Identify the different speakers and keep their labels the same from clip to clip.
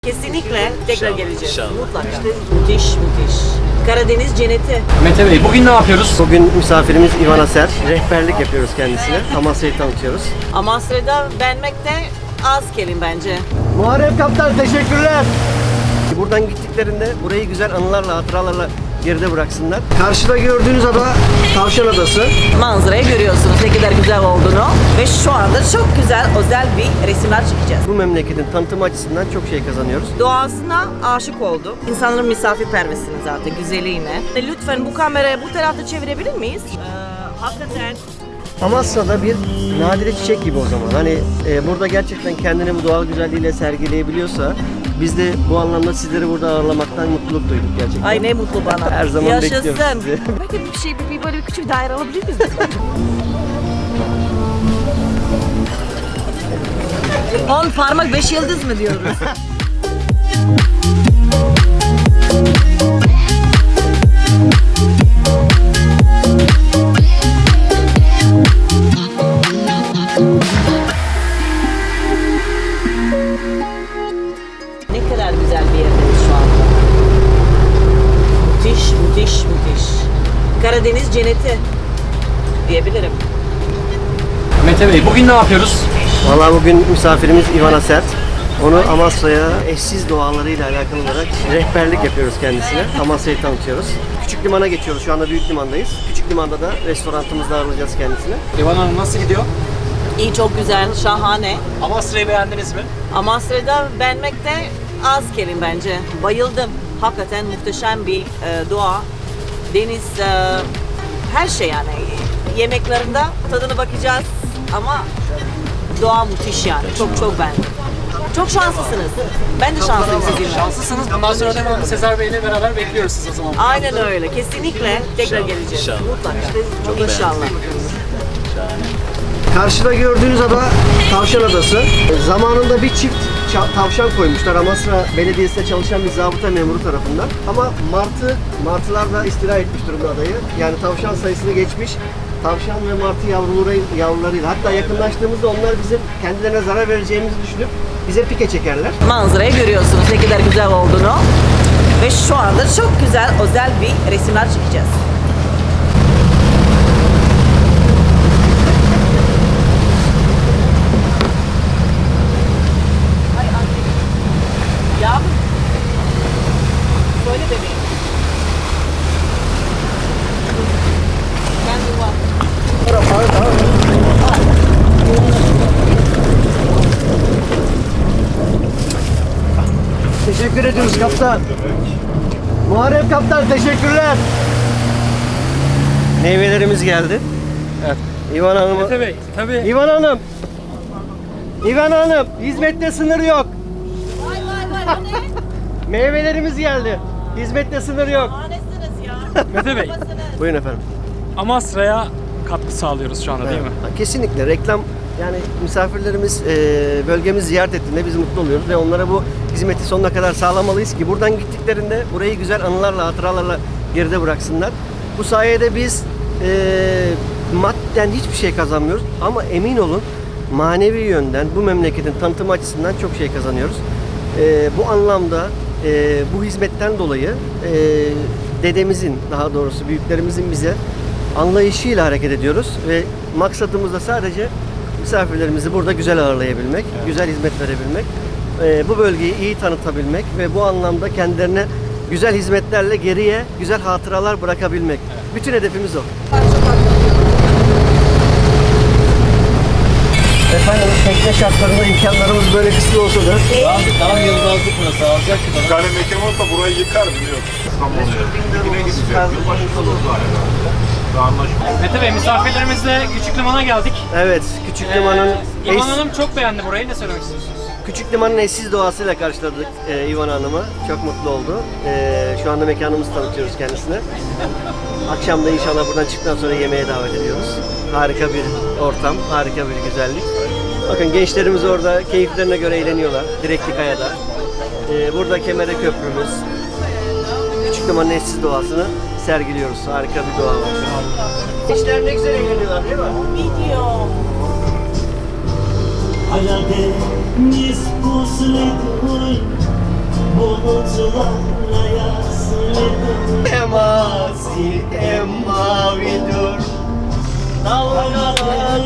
Speaker 1: Kesinlikle tekrar geleceğiz. Mutlaka. Müthiş. Karadeniz cenneti.
Speaker 2: Mete Bey, bugün ne yapıyoruz?
Speaker 3: Bugün misafirimiz İvan Aser. Rehberlik yapıyoruz kendisine. Amasya'yı tanıtıyoruz.
Speaker 1: Amasra'da beğenmekte az kelime bence.
Speaker 3: Muharrem Kaptan teşekkürler. Buradan gittiklerinde burayı güzel anılarla, hatıralarla geride bıraksınlar. Karşıda gördüğünüz ada Tavşan Adası.
Speaker 1: Manzarayı görüyorsunuz ne kadar güzel olduğunu ve şu anda çok güzel özel bir resimler çekeceğiz.
Speaker 3: Bu memleketin tanıtımı açısından çok şey kazanıyoruz.
Speaker 1: Doğasına aşık oldum. İnsanların misafirperversini zaten, güzelliğine. Lütfen bu kamerayı bu tarafta çevirebilir miyiz? Hakikaten
Speaker 3: Amasra'da bir nadire çiçek gibi o zaman. Hani burada gerçekten kendini bu doğal güzelliğiyle sergileyebiliyorsa biz de bu anlamda sizleri burada ağırlamaktan mutluluk duyduk gerçekten.
Speaker 1: ay ne mutlu bana.
Speaker 3: Her zaman
Speaker 1: Yaşasın.
Speaker 3: bekliyoruz sizi.
Speaker 1: Peki bir böyle bir küçük daire alabilir miyiz? On parmak 5 yıldız mı diyoruz? Ne kadar güzel bir yerdeyiz şu anda. Müthiş. Karadeniz cenneti diyebilirim.
Speaker 2: Mete Bey, bugün ne yapıyoruz?
Speaker 3: Valla bugün misafirimiz İvan Aser. Onu Amasra'ya eşsiz doğalarıyla alakalı olarak rehberlik yapıyoruz kendisine. Amasya'yı tanıtıyoruz. Küçük limana geçiyoruz. Şu anda büyük limandayız. Küçük limanda da restorantımızda ağırlayacağız kendisine.
Speaker 2: İvan Hanım nasıl gidiyor?
Speaker 1: İyi, çok güzel, şahane.
Speaker 2: Amasra'yı beğendiniz mi?
Speaker 1: Amasra'da beğenmekte az kelime bence. Bayıldım. Hakikaten muhteşem bir doğa. Deniz, her şey yani. Yemeklerinde tadına bakacağız ama doğa müthiş yani. Çok beğendim. Çok şanslısınız. Ben de şanslıyım sizinle.
Speaker 2: Şanslısınız. Bundan sonra da Sezer Bey'le beraber bekliyoruz siz o zaman.
Speaker 1: Aynen öyle. Kesinlikle tekrar geleceğiz. Mutlaka. İnşallah.
Speaker 3: Karşıda gördüğünüz ada Tavşan Adası. Zamanında bir çift tavşan koymuşlar Amasra Belediyesi'nde çalışan bir zabıta memuru tarafından. Ama martılar da istila etmiş durumda adayı. Yani tavşan sayısını geçmiş. Tavşan ve martı yavrularıyla. Hatta yakınlaştığımızda onlar bizim kendilerine zarar vereceğimizi düşünüp bize pike çekerler.
Speaker 1: Manzarayı görüyorsunuz ne kadar güzel olduğunu ve şu anda çok güzel özel bir resimler çekeceğiz. Ay anne. Yavrum. Söyle bebeğim. Kendi var.
Speaker 3: Teşekkür ediyoruz kaptan. Muharrem Kaptan teşekkürler. Meyvelerimiz geldi.
Speaker 2: Evet.
Speaker 3: İvan Hanım.
Speaker 2: Mete Bey, tabii.
Speaker 3: İvan Hanım. İvan Hanım, hizmette sınır yok.
Speaker 1: Vay o ne?
Speaker 3: Meyvelerimiz geldi. Hizmette sınır yok.
Speaker 1: Hanesiniz ya.
Speaker 2: Mete Bey,
Speaker 3: Buyurun efendim.
Speaker 2: Amasra'ya katkı sağlıyoruz şu anda değil mi?
Speaker 3: Kesinlikle reklam, yani misafirlerimiz bölgemizi ziyaret ettiğinde biz mutlu oluyoruz ve onlara bu hizmeti sonuna kadar sağlamalıyız ki buradan gittiklerinde burayı güzel anılarla, hatıralarla geride bıraksınlar. Bu sayede biz madden hiçbir şey kazanmıyoruz ama emin olun manevi yönden bu memleketin tanıtımı açısından çok şey kazanıyoruz. Bu anlamda bu hizmetten dolayı dedemizin, daha doğrusu büyüklerimizin bize anlayışıyla hareket ediyoruz ve maksadımız da sadece misafirlerimizi burada güzel ağırlayabilmek, güzel hizmet verebilmek, bu bölgeyi iyi tanıtabilmek ve bu anlamda kendilerine güzel hizmetlerle geriye güzel hatıralar bırakabilmek. Bütün hedefimiz o. Efendim tekne şartlarında imkanlarımız böyle kısıtlı olsa da
Speaker 4: Daha yıldızlık burası alacak ki bana. Bir tane mekan olsa burayı yıkar biliyorum. İstanbul'da. Yine gideceğiz. Yılbaşında olur galiba.
Speaker 2: Mete Bey, misafirlerimizle Küçük Liman'a geldik.
Speaker 3: evet, Küçük Liman'ın
Speaker 2: İvan Hanım çok beğendi burayı. Ne söylemek istiyorsunuz?
Speaker 3: Küçük Liman'ın eşsiz doğasıyla karşıladık İvan Hanım'ı. Çok mutlu oldu. Şu anda mekanımızı tanıtıyoruz kendisine. Akşam da inşallah buradan çıktıktan sonra yemeğe davet ediyoruz. Harika bir ortam, harika bir güzellik. Bakın gençlerimiz orada keyiflerine göre eğleniyorlar. Direkli Kaya'da. Burada Kemere Köprümüz. Küçük Liman'ın eşsiz doğasını sergiliyoruz. Harika bir doğa var. Gençler ne güzel eğleniyorlar değil mi?
Speaker 1: Video.
Speaker 5: Allá de mis
Speaker 3: Emasi emavidur dalgalar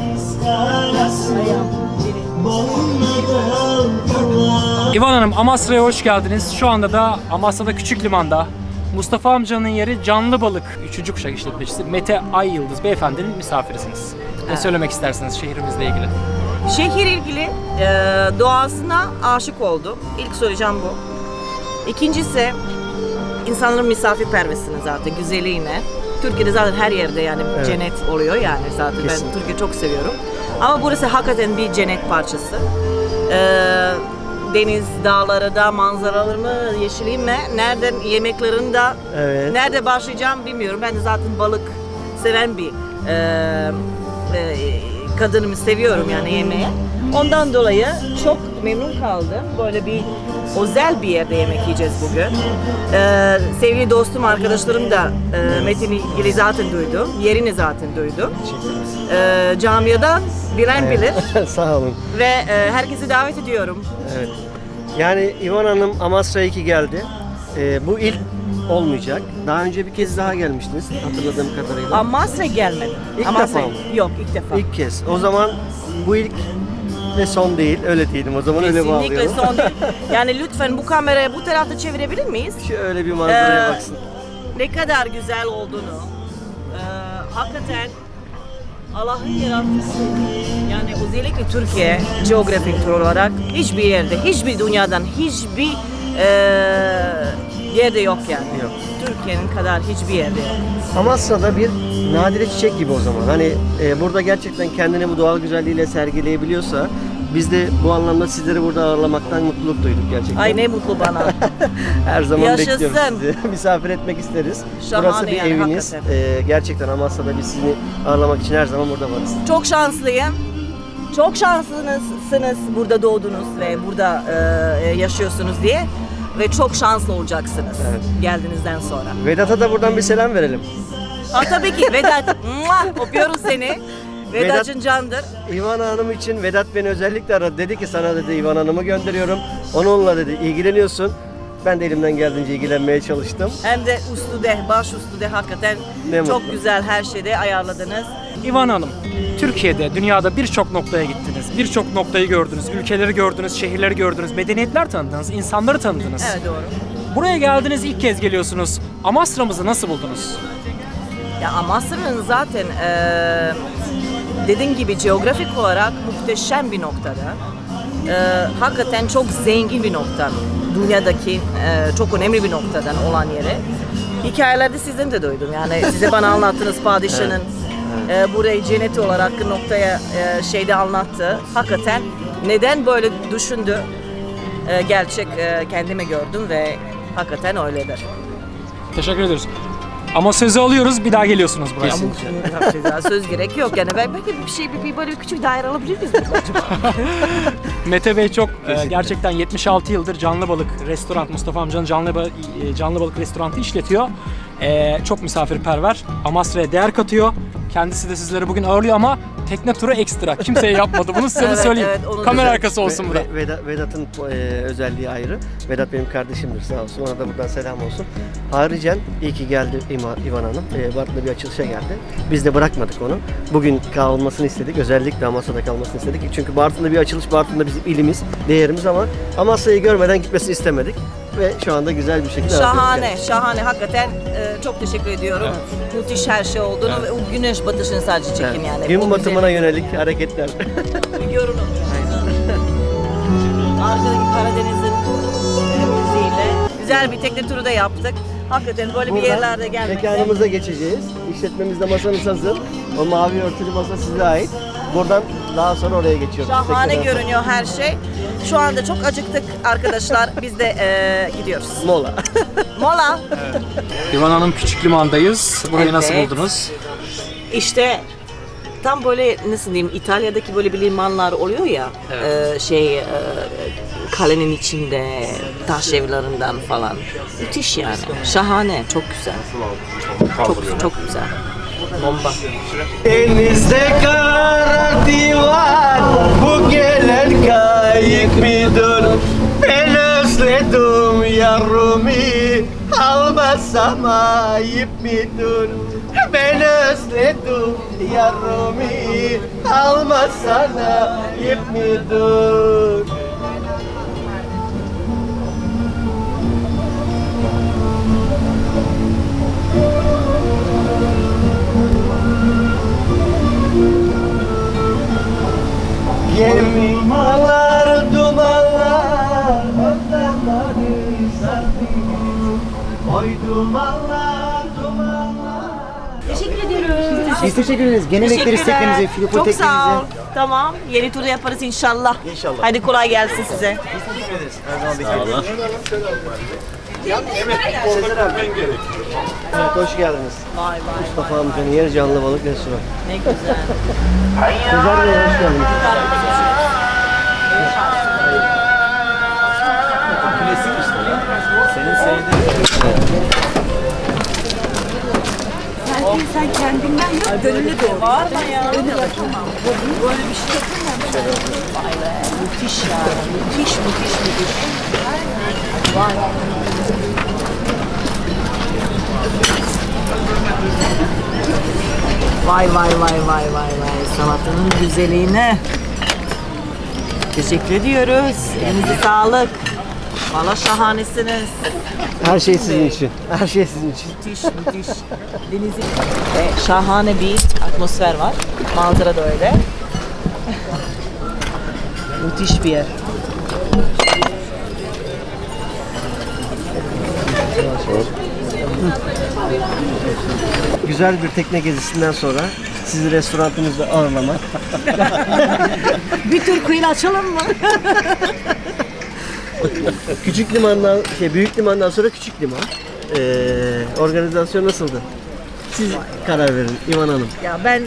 Speaker 2: İvan Hanım, Amasra'ya hoş geldiniz. Şu anda da Amasra'da Küçük Liman'da Mustafa amcanın yeri Canlı Balık 3. kuşak işletmecisi Mete Ay Yıldız beyefendinin misafirisiniz. Ne söylemek istersiniz şehrimizle ilgili?
Speaker 1: Şehir ilgili doğasına aşık oldum. İlk söyleyeceğim bu. İkincisi insanların misafirperversini zaten, güzelliğine. Türkiye'de zaten her yerde yani
Speaker 3: Evet.
Speaker 1: cennet oluyor yani zaten.
Speaker 3: Kesin.
Speaker 1: Ben Türkiye'yi çok seviyorum. Ama burası hakikaten bir cennet parçası. Deniz, dağları da, manzaraları mı, yeşilliği mi, nereden yemeklerini de,
Speaker 3: Evet.
Speaker 1: nerede başlayacağım bilmiyorum. Ben de zaten balık seven bir kadınımı seviyorum yani yemeğe. Ondan dolayı çok memnun kaldım. Böyle bir özel bir yerde yemek yiyeceğiz bugün. Sevgili dostum, arkadaşlarım da Metin'i ilgili zaten duydum. Yerini zaten duydum. Camiadan bilen bilir.
Speaker 3: Sağ olun.
Speaker 1: Ve herkesi davet ediyorum.
Speaker 3: Evet. Yani İvan Hanım Amasra'ya 2 geldi. Bu ilk olmayacak. Daha önce bir kez daha gelmiştiniz hatırladığım kadarıyla.
Speaker 1: Amasra gelmedi.
Speaker 3: İlk
Speaker 1: Amasra
Speaker 3: defa mı?
Speaker 1: yok, ilk defa.
Speaker 3: İlk kez. O zaman bu ilk ve son değil. Öyle diyelim. O zaman öyle
Speaker 1: Kesinlikle
Speaker 3: bağlayalım.
Speaker 1: son değil. Yani lütfen bu kamerayı bu tarafta çevirebilir miyiz?
Speaker 3: Şöyle bir manzaraya
Speaker 1: Ee,
Speaker 3: baksın.
Speaker 1: Ne kadar güzel olduğunu, hakikaten Allah'ın yarattığı, yani özellikle Türkiye coğrafik olarak hiçbir yerde, hiçbir dünyadan, hiçbir yerde yok yani.
Speaker 3: Yok.
Speaker 1: Türkiye'nin kadar hiçbir yerde yok.
Speaker 3: Amasra'da bir nadire çiçek gibi o zaman. Hani burada gerçekten kendini bu doğal güzelliğiyle sergileyebiliyorsa biz de bu anlamda sizleri burada ağırlamaktan mutluluk duyduk gerçekten.
Speaker 1: Ay ne mutlu bana.
Speaker 3: Her zaman
Speaker 1: Yaşasın.
Speaker 3: bekliyoruz sizi. Misafir etmek isteriz.
Speaker 1: Şahane
Speaker 3: Burası bir
Speaker 1: yani,
Speaker 3: eviniz.
Speaker 1: hakikaten.
Speaker 3: Gerçekten Amasra'da biz sizi ağırlamak için her zaman burada varız.
Speaker 1: Çok şanslıyım. Çok şanslısınız burada doğdunuz ve burada yaşıyorsunuz diye. Ve çok şanslı olacaksınız geldiğinizden sonra.
Speaker 3: Vedat'a da buradan bir selam verelim.
Speaker 1: Ha tabii ki Vedat. Muah, öpüyoruz seni. Vedat'cın candır.
Speaker 3: İvan Hanım için Vedat beni özellikle aradı. Dedi ki sana dedi İvan Hanım'ı gönderiyorum. Onunla dedi ilgileniyorsun. Ben de elimden geldiğince ilgilenmeye çalıştım.
Speaker 1: Hem de üstüde, baş üstüde hakikaten
Speaker 3: Ne
Speaker 1: çok
Speaker 3: mutlu.
Speaker 1: güzel her şeyde ayarladınız.
Speaker 2: İvan Hanım, Türkiye'de, dünyada birçok noktaya gittiniz. Birçok noktayı gördünüz, ülkeleri gördünüz, şehirleri gördünüz, medeniyetler tanıdınız, insanları tanıdınız.
Speaker 1: Evet doğru.
Speaker 2: Buraya geldiniz, ilk kez geliyorsunuz. Amasra'mızı nasıl buldunuz?
Speaker 1: Ya Amasra'nın zaten dediğim gibi coğrafik olarak muhteşem bir noktada. Hakikaten çok zengin bir nokta. Dünyadaki çok önemli bir noktadan olan yere. Hikayelerde sizden de duydum. Yani size bana anlattığınız padişahın burayı cennet olarak noktaya şeyde anlattı. Hakikaten neden böyle düşündü? Gerçek kendime gördüm ve hakikaten öyledir.
Speaker 2: Teşekkür ederiz. Ama sözü alıyoruz, bir daha geliyorsunuz buraya.
Speaker 1: Ama söz gerek yok yani. Ben belki bir şey bir böyle bir küçük daire alabilir miyiz acaba?
Speaker 2: Mete Bey çok gerçekten 76 yıldır Canlı Balık Restoran, Mustafa amcanın Canlı Balık Restoranı işletiyor. Çok misafirperver, Amasra'ya değer katıyor. Kendisi de sizleri bugün ağırlıyor ama tekne turu ekstra. Kimseye yapmadı. Bunu size de
Speaker 1: Evet,
Speaker 2: söyleyeyim.
Speaker 1: evet, onu da
Speaker 2: Kamera
Speaker 1: söyle.
Speaker 2: arkası olsun bu da.
Speaker 3: Vedat'ın özelliği ayrı. Vedat benim kardeşimdir sağ olsun. Ona da buradan selam olsun. Ayrıca iyi ki geldi İvan Hanım. Bartın'da bir açılışa geldi. Biz de bırakmadık onu. Bugün kalmasını istedik. Özellikle Amasra'da kalmasını istedik. Çünkü Bartın'da bir açılış. Bartın'da bizim ilimiz, değerimiz ama Amasra'yı görmeden gitmesini istemedik. Ve şu anda güzel bir şekilde
Speaker 1: Şahane,
Speaker 3: ağırlıyoruz
Speaker 1: şahane. Hakikaten çok teşekkür ediyorum. Müthiş her şey olduğunu ve o güneş batışını sadece çekin
Speaker 3: kendisini.
Speaker 1: yani.
Speaker 3: Gün
Speaker 1: O
Speaker 3: batımına yönelik hareketler.
Speaker 1: güzel görünüm. Arkadaki Karadeniz'in müziğiyle güzel bir tekne turu da yaptık. Hakikaten böyle bir yerlerde gelmek.
Speaker 3: mekanımıza geçeceğiz. İşletmemizde masamız hazır. O mavi örtülü masa size ait. Buradan daha sonra oraya geçiyoruz.
Speaker 1: Şahane
Speaker 3: Tekneden
Speaker 1: görünüyor her şey. Şu anda çok acıktık arkadaşlar. Biz de gidiyoruz.
Speaker 3: sonra. Mola.
Speaker 1: Mola.
Speaker 2: İvan Hanım Küçük Liman'dayız. Burayı nasıl
Speaker 1: Evet.
Speaker 2: buldunuz?
Speaker 1: İşte tam böyle nasıl diyeyim İtalya'daki böyle bir limanlar oluyor ya kalenin içinde taş evlerinden falan. Müthiş yani. Şahane. Çok güzel. Çok güzel. Bomba.
Speaker 3: Denizde kara divan, bu gelen kayık midir? Ben özledim Yarumi almasam ayıp midir? Ben özledim yarumi almasan ayıp midir? Gemiler dumanlar Özlemleri sardı Oy dumanlar
Speaker 1: Teşekkür ediyoruz.
Speaker 5: Biz teşekkür ederiz. Gene bekleriz teknemizi,
Speaker 1: Çok
Speaker 5: Filipo
Speaker 1: sağ ol.
Speaker 5: teknemizi.
Speaker 1: Tamam. Yeni turu yaparız inşallah.
Speaker 3: İnşallah.
Speaker 1: Hadi kolay gelsin size.
Speaker 3: Sezer abi. Evet, hoş geldiniz.
Speaker 1: Vay vay.
Speaker 3: Mustafa amcanın yeri canlı balık restoranı.
Speaker 1: Ne güzel.
Speaker 3: Sezer Bey hoş geldiniz.
Speaker 1: Sen kendinden yok, gönüllü doğru. Var mı ya? Böyle bir şey yapamam. Vay be, müthiş ya. Müthiş. Vay. Vay. Salatanın güzelliğine. Teşekkür ediyoruz. Elinize sağlık. Valla şahanesiniz.
Speaker 3: Her şey sizin için. Her şey sizin için.
Speaker 1: Müthiş. Denizin şahane bir atmosfer var. Manzara da öyle. Müthiş bir yer.
Speaker 3: Güzel bir tekne gezisinden sonra sizi restoranımızda ağırlamak.
Speaker 1: Bir tür kıyı açalım mı?
Speaker 3: Küçük limandan, büyük limandan sonra küçük liman. Organizasyon nasıldı? Siz karar verin İvan Hanım.
Speaker 1: Ya ben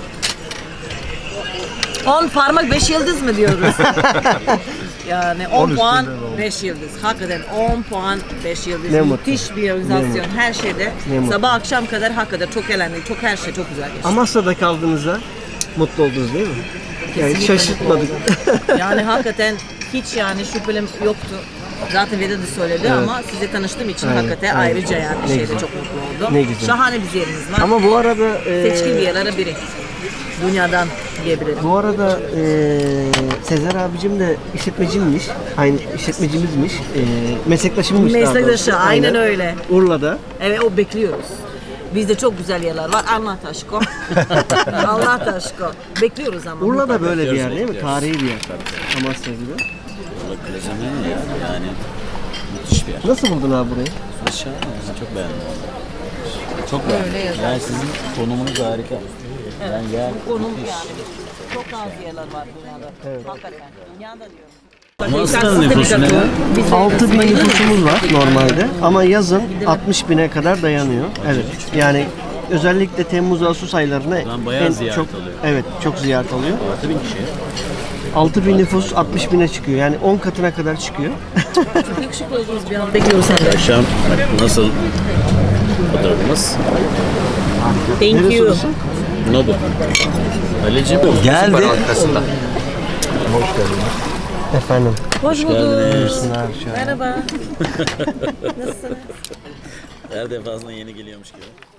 Speaker 1: 10 parmak 5 yıldız mı diyoruz? Yani 10 puan 5 yıldız. Hakikaten 10 puan 5 yıldız.
Speaker 3: Ne
Speaker 1: Müthiş bir organizasyon.
Speaker 3: mutlu.
Speaker 1: Her şeyde.
Speaker 3: Ne mutlu.
Speaker 1: Sabah akşam kadar hakikaten çok eğlendik. Çok her şey çok güzel geçti.
Speaker 3: Amasya'da kaldığınızda mutlu oldunuz değil mi? Yani
Speaker 1: Kesinlikle
Speaker 3: şaşırtmadık.
Speaker 1: Yani hakikaten hiç yani şüphem yoktu. Zaten Veda da söyledi ama size tanıştığım için
Speaker 3: Aynen,
Speaker 1: hakikaten
Speaker 3: aynen.
Speaker 1: ayrıca yani
Speaker 3: Ne
Speaker 1: şeyde
Speaker 3: güzel.
Speaker 1: çok mutlu oldum.
Speaker 3: Ne güzel.
Speaker 1: Şahane bir yerimiz var.
Speaker 3: Ama bu arada
Speaker 1: Seçkin bir yerlere biri. Dünyadan diyebilirim.
Speaker 3: bu arada Sezer abicim de işletmecimmiş. Aynı işletmecimizmiş. Meslektaşımmış daha
Speaker 1: Meslektaşı,
Speaker 3: doğrusu.
Speaker 1: aynen öyle.
Speaker 3: Urla'da.
Speaker 1: Evet o bekliyoruz. Bizde çok güzel yerler var. Allah aşkına. Allah aşkına. Bekliyoruz ama.
Speaker 3: Urla'da böyle bir yer değil mi? Tarihi bir yer. Amasya gibi.
Speaker 6: Plazamen ya yani müthiş bir yer.
Speaker 3: Nasıl buldun abi burayı?
Speaker 6: Şahane, ben çok beğendim valla. Çok beğendim. Yani sizin konumunuz harika. Yani yer
Speaker 1: Konum
Speaker 6: müthiş.
Speaker 1: yani. Çok az yerler var dünyada. Hakikaten. Dünyada diyorum.
Speaker 6: Amasra'nın nüfusu ne?
Speaker 3: 6000 nüfusumuz var normalde ama yazın 60 bine kadar dayanıyor. Evet. Yani özellikle Temmuz-Ağustos aylarına
Speaker 6: Ben bayağı ziyaret
Speaker 3: çok
Speaker 6: alıyor.
Speaker 3: evet çok ziyaret alıyor.
Speaker 6: 6000 kişi.
Speaker 3: 6000 nüfus 60 bine çıkıyor. Yani 10 katına kadar çıkıyor.
Speaker 1: Çok yakışıklı oldunuz bir an. Bekliyoruz senden.
Speaker 6: Akşam nasıl fotoğrafımız?
Speaker 1: Thank
Speaker 3: Neresi
Speaker 1: you.
Speaker 3: orası?
Speaker 6: Nobu. Ali'cim geldi. Arkasında.
Speaker 3: Efendim.
Speaker 1: Hoş bulduk.
Speaker 6: Geldiniz.
Speaker 1: Merhaba. Nasılsınız?
Speaker 6: Her defasında yeni geliyormuş gibi.